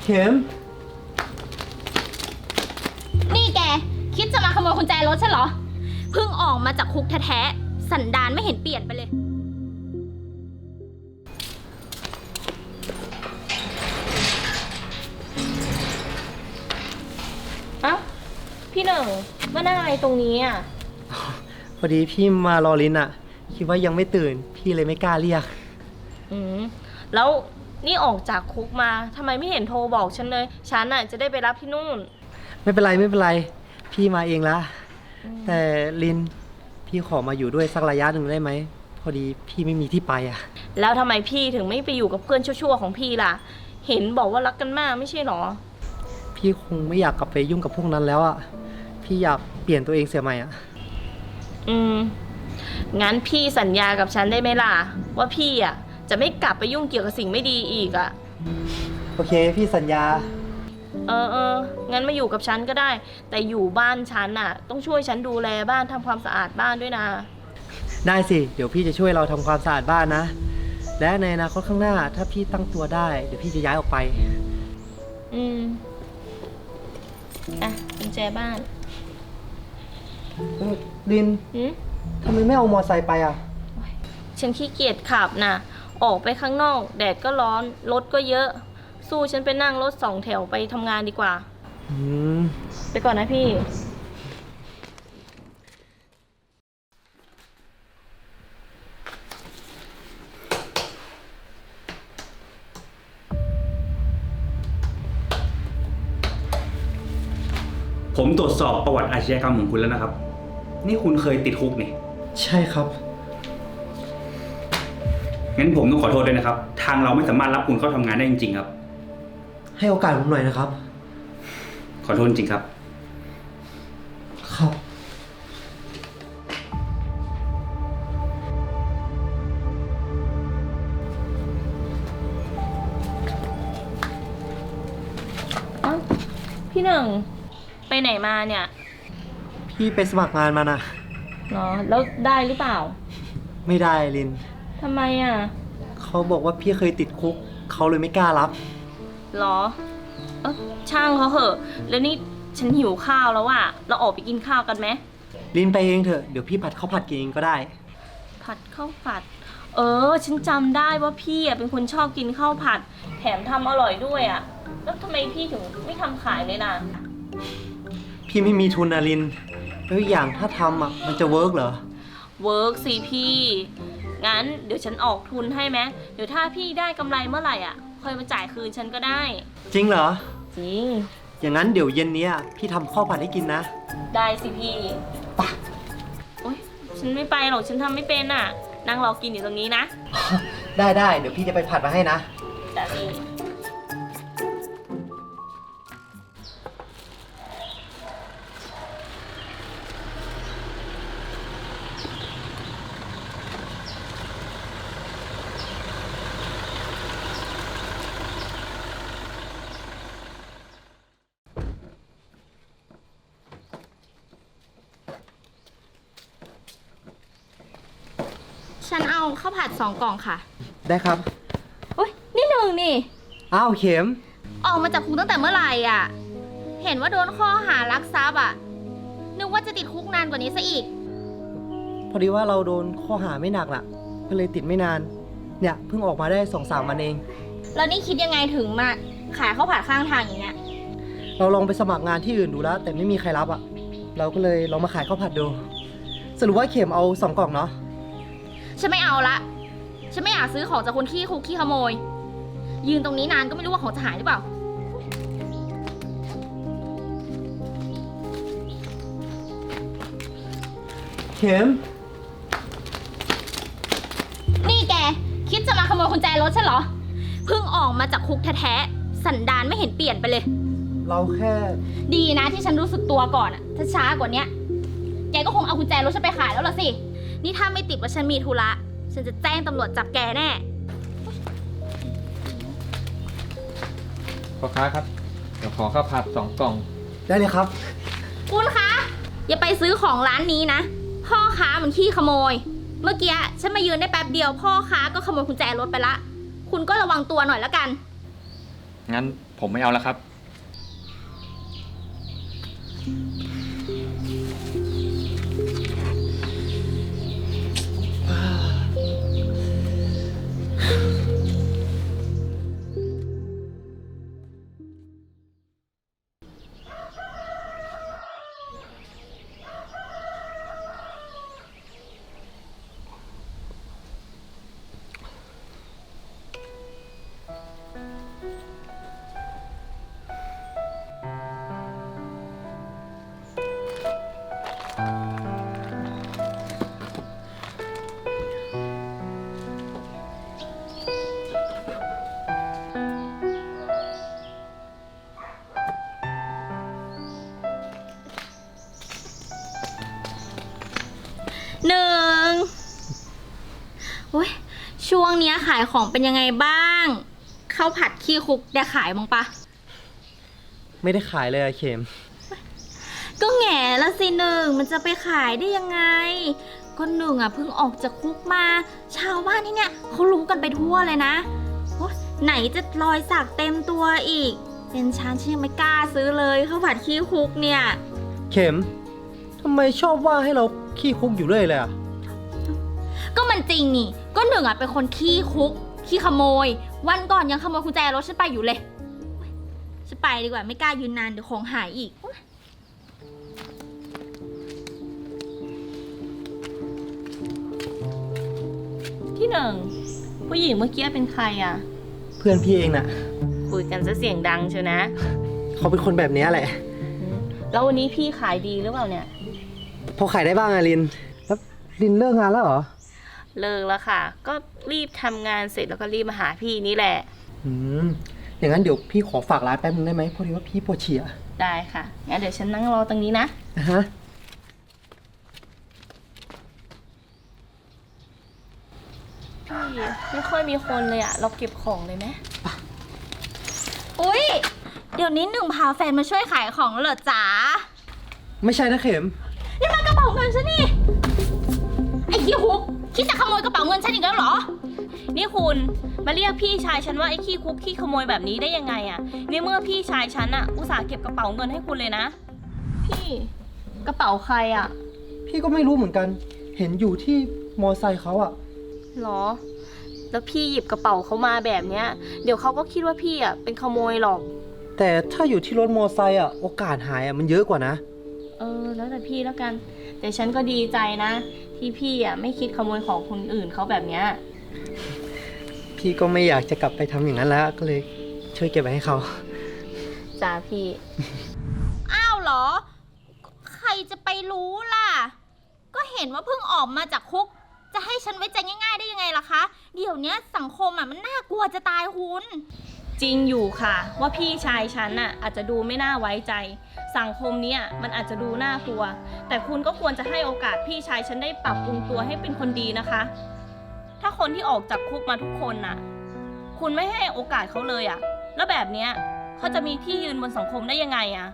เข็มนี่แกคิดจะมาขโมยกุญแจรถใช่เหรอเพิ่งออกมาจากคุกแท้ๆสันดานไม่เห็นเปลี่ยนไปเลยเอ้าพี่หนึ่งมานั่งอะไรตรงนี้อ่ะพอดีพี่มารอลินอะคิดว่ายังไม่ตื่นพี่เลยไม่กล้าเรียกแล้วนี่ออกจากคุกมาทำไมไม่เห็นโทรบอกฉันเลยฉันน่ะจะได้ไปรับที่นู่นไม่เป็นไรไม่เป็นไรพี่มาเองละแต่ลินพี่ขอมาอยู่ด้วยสักระยะหนึ่งได้ไหมพอดีพี่ไม่มีที่ไปอะแล้วทำไมพี่ถึงไม่ไปอยู่กับเพื่อนชั่วๆของพี่ล่ะเห็นบอกว่ารักกันมากไม่ใช่หรอพี่คงไม่อยากกลับไปยุ่งกับพวกนั้นแล้วอะพี่อยากเปลี่ยนตัวเองเสียใหม่อะงั้นพี่สัญญากับฉันได้ไหมล่ะว่าพี่อ่ะจะไม่กลับไปยุ่งเกี่ยวกับสิ่งไม่ดีอีกอ่ะโอเคพี่สัญญางั้นมาอยู่กับฉันก็ได้ แต่อยู่บ้านฉันน่ะต้องช่วยฉันดูแลบ้านทำความสะอาดบ้านด้วยนะได้สิเดี๋ยวพี่จะช่วยเราทำความสะอาดบ้านนะและในอนาคตข้างหน้าถ้าพี่ตั้งตัวได้เดี๋ยวพี่จะย้ายออกไปกุญแจบ้านลินทำไมไม่เอามอไซค์ไปอะฉันขี้เกียจขับน่ะออกไปข้างนอกแดดก็ร้อนรถก็เยอะสู้ฉันไปนั่งรถ2 แถวไปทำงานดีกว่า ไปก่อนนะพี่ผมตรวจสอบประวัติอาชญากรรมของคุณแล้วนะครับ นี่คุณเคยติดคุกนี่ใช่ครับงั้นผมต้องขอโทษด้วยนะครับ ทางเราไม่สามารถรับคุณเข้าทำงานได้จริงๆครับให้โอกาสผมหน่อยนะครับขอโทษจริงครับครับพี่หนึ่งไปไหนมาเนี่ยพี่ไปสมัครงานมานะเนาะแล้วได้หรือเปล่าไม่ได้ลินทำไมอ่ะเขาบอกว่าพี่เคยติดคุกเขาเลยไม่กล้ารับหรอช่างเขาเหอะ แล้วนี่ฉันหิวข้าวแล้วอ่ะเราออกไปกินข้าวกันไหมลินไปเองเถอะเดี๋ยวพี่ผัดข้าวผัดกินเองก็ได้ผัดข้าวผัด ฉันจำได้ว่าพี่อ่ะเป็นคนชอบกินข้าวผัด แถมทำอร่อยด้วยอ่ะแล้วทำไมพี่ถึงไม่ทำขายเลยล่ะพี่ไม่มีทุนนะลินแล้วอีกอย่างถ้าทำอ่ะมันจะเวิร์กเหรอเวิร์กสิพี่ งั้นเดี๋ยวฉันออกทุนให้ไหมเดี๋ยวถ้าพี่ได้กำไรเมื่อไหร่อ่ะค่อยมาจ่ายคืนฉันก็ได้จริงเหรอจริงอย่างนั้นเดี๋ยวเย็นนี้พี่ทำข้าวผัดให้กินนะได้สิพี่โอ๊ยฉันไม่ไปหรอกฉันทำไม่เป็นอ่ะ นั่งรอกินอยู่ตรงนี้นะได้เดี๋ยวพี่จะไปผัดมาให้นะแต่พี่ฉันเอาข้าวผัด2 กล่องค่ะได้ครับโอ๊ยนี่หนึ่งนี่อ้าวเข็มออกมาจากคุกตั้งแต่เมื่อไหร่อ่ะเห็นว่าโดนข้อหารักทรัพย์อ่ะนึกว่าจะติดคุกนานกว่านี้ซะอีกพอดีว่าเราโดนข้อหาไม่หนักล่ะก็เลยติดไม่นานเนี่ยเพิ่งออกมาได้2-3 วันเองแล้วนี่คิดยังไงถึงมาขายข้าวผัดข้างทางอย่างเงี้ยเราลองไปสมัครงานที่อื่นดูแล้ว แต่ไม่มีใครรับอ่ะเราก็เลยลองมาขายข้าวผัดดูสรุปว่าเข็มเอา2 กล่องเนาะฉันไม่เอาละ ฉันไม่อยากซื้อของจากคนขี้คุกขี้ขโมย ยืนตรงนี้นานก็ไม่รู้ว่าของจะหายหรือเปล่าเข็มนี่แกคิดจะมาขโมยกุญแจรถใช่เหรอ เพิ่งออกมาจากคุกแท้ๆสันดานไม่เห็นเปลี่ยนไปเลยเราแค่ดีนะที่ฉันรู้สึกตัวก่อนอะถ้าช้ากว่านี้แกก็คงเอากุญแจรถฉันไปขายแล้วล่ะสิ นี่ถ้าไม่ติดว่าฉันมีธุระ ฉันจะแจ้งตำรวจจับแกแน่พ่อค้าครับเดี๋ยวขอข้าวผัด2 กล่องได้เลยครับคุณคะ อย่าไปซื้อของร้านนี้นะ พ่อค้ามันขี้ขโมย เมื่อกี้ฉันมายืนได้แป๊บเดียว พ่อค้าก็ขโมยกุญแจรถไปละ คุณก็ระวังตัวหน่อยละกันงั้นผผมไม่เอาแล้วครับหนึ่งอุ้ยช่วงเนี้ยขายของเป็นยังไงบ้างข้าวผัดขี้คุกได้ขายมั้งปะไม่ได้ขายเลยอะเข็มก็แง่ละสิหนึ่งมันจะไปขายได้ยังไงก็หนึ่งอ่ะเพิ่งออกจากคุกมา ชาวบ้านที่เนี่ยเขารู้กันไปทั่วเลยนะโอ๊ยไหนจะรอยสักเต็มตัวอีก เป็นฉันยังไม่กล้าซื้อเลยข้าวผัดขี้คุกเนี่ยเข็มทำไมชอบว่าให้เราขี้คุกอยู่เรื่อยเลยอะก็มันจริงนี่ก็หนึ่งอ่ะเป็นคนขี้คุกขี้ขโมย วันก่อนยังขโมยกุญแจรถฉันไปอยู่เลยฉันไปดีกว่าไม่กล้ายืนนานเดี๋ยวของหายอีกพี่หนึ่งผู้หญิงเมื่อกี้เป็นใครอ่ะเพื่อนพี่เองน่ะคุยกันซะเสียงดังเชียวนะเขาเป็นคนแบบนี้แหละแล้ววันนี้พี่ขายดีหรือเปล่าเนี่ยพอขายได้บ้างอะลิน แล้วลินเลิกงานแล้วเหรอเลิกแล้วค่ะ ก็รีบทำงานเสร็จแล้วก็รีบมาหาพี่นี่แหละอย่างนั้นเดี๋ยวพี่ขอฝากร้านแป๊บนึงได้ไหมพอดีว่าพี่ปวดฉี่อะได้ค่ะ งั้นเดี๋ยวฉันนั่งรอตรงนี้นะนะฮะพี่ไม่ค่อยมีคนเลยอะเราเก็บของเลยไหมอุ๊ยเดี๋ยวนี้หนึ่งพาแฟนมาช่วยขายของแล้วเหรอจ๋าไม่ใช่นะเข็มนี่มันกระเป๋าเงินฉันนี่ ไอ้ขี้คุกคิดจะขโมยกระเป๋าเงินฉันอีกแล้วเหรอนี่คุณมาเรียกพี่ชายฉันว่าไอ้ขี้คุกขี้ขโมยแบบนี้ได้ยังไงอะในเมื่อพี่ชายฉันอะอุตส่าห์เก็บกระเป๋าเงินให้คุณเลยนะ พี่กระเป๋าใครอะพี่ก็ไม่รู้เหมือนกัน เห็นอยู่ที่มอไซค์เขาอะหรอ แล้วพี่หยิบกระเป๋าเขามาแบบเนี้ย เดี๋ยวเขาก็คิดว่าพี่อะเป็นขโมยหรอกแต่ถ้าอยู่ที่รถมอไซค์อะโอกาสหายอะมันเยอะกว่านะแล้วแต่พี่แล้วกัน แต่ฉันก็ดีใจนะ ที่พี่อะไม่คิดขโมยของคนอื่นเขาแบบเนี้ยพี่ก็ไม่อยากจะกลับไปทำอย่างนั้นแล้ว ก็เลยช่วยเก็บไว้ให้เขาจ้าพี่อ้าวเหรอ ใครจะไปรู้ล่ะ ก็เห็นว่าเพิ่งออกมาจากคุก จะให้ฉันไว้ใจง่ายๆได้ยังไงล่ะคะ เดี๋ยวนี้สังคมอ่ะมันน่ากลัวจะตายคุณจริงอยู่ค่ะ ว่าพี่ชายฉันน่ะอาจจะดูไม่น่าไว้ใจ สังคมเนี้ยมันอาจจะดูน่ากลัว แต่คุณก็ควรจะให้โอกาสพี่ชายฉันได้ปรับปรุงตัวให้เป็นคนดีนะคะ ถ้าคนที่ออกจากคุกมาทุกคนน่ะ คุณไม่ให้โอกาสเขาเลยอะแล้วแบบเนี้ยเขาจะมีที่ยืนบนสังคมได้ยังไงอะ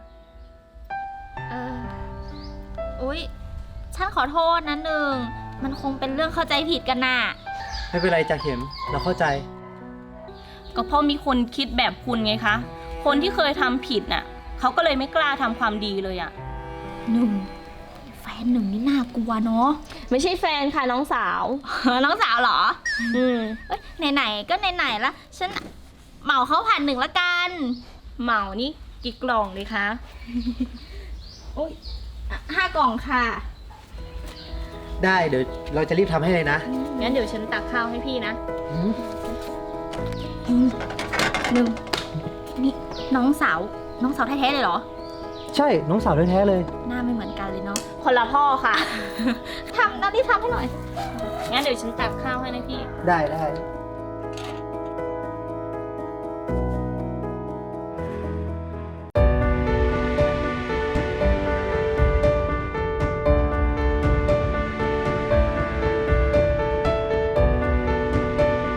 อุ๊ย ฉันขอโทษนะหนึ่ง มันคงเป็นเรื่องเข้าใจผิดกันน่ะไม่เป็นไรจ้ะเข็ม เราเข้าใจก็เพราะมีคนคิดแบบคุณไงคะ คนที่เคยทำผิดน่ะเขาก็เลยไม่กล้าทำความดีเลยอะหนึ่ง แฟนหนึ่งนี่น่ากลัวเนาะไม่ใช่แฟนค่ะน้องสาวน้องสาวเหรออืมเอ้ยไหนๆก็ไหนๆละฉันเหมาเขาผ่านหนึ่งละกันเหมานี่กี่กล่องเลยคะโอ้ย5 กล่องค่ะได้เดี๋ยวเราจะรีบทำให้เลยนะงั้นเดี๋ยวฉันตักข้าวให้พี่นะหนึ่งนี่น้องสาวแท้ๆเลยเหรอใช่ น้องสาวแท้ๆเลยหน้าไม่เหมือนกันเลยเนาะคนละพ่อค่ะทำหน้าที่ทำให้หน่อยงั้นเดี๋ยวฉันตักข้าวให้นะพี่ได้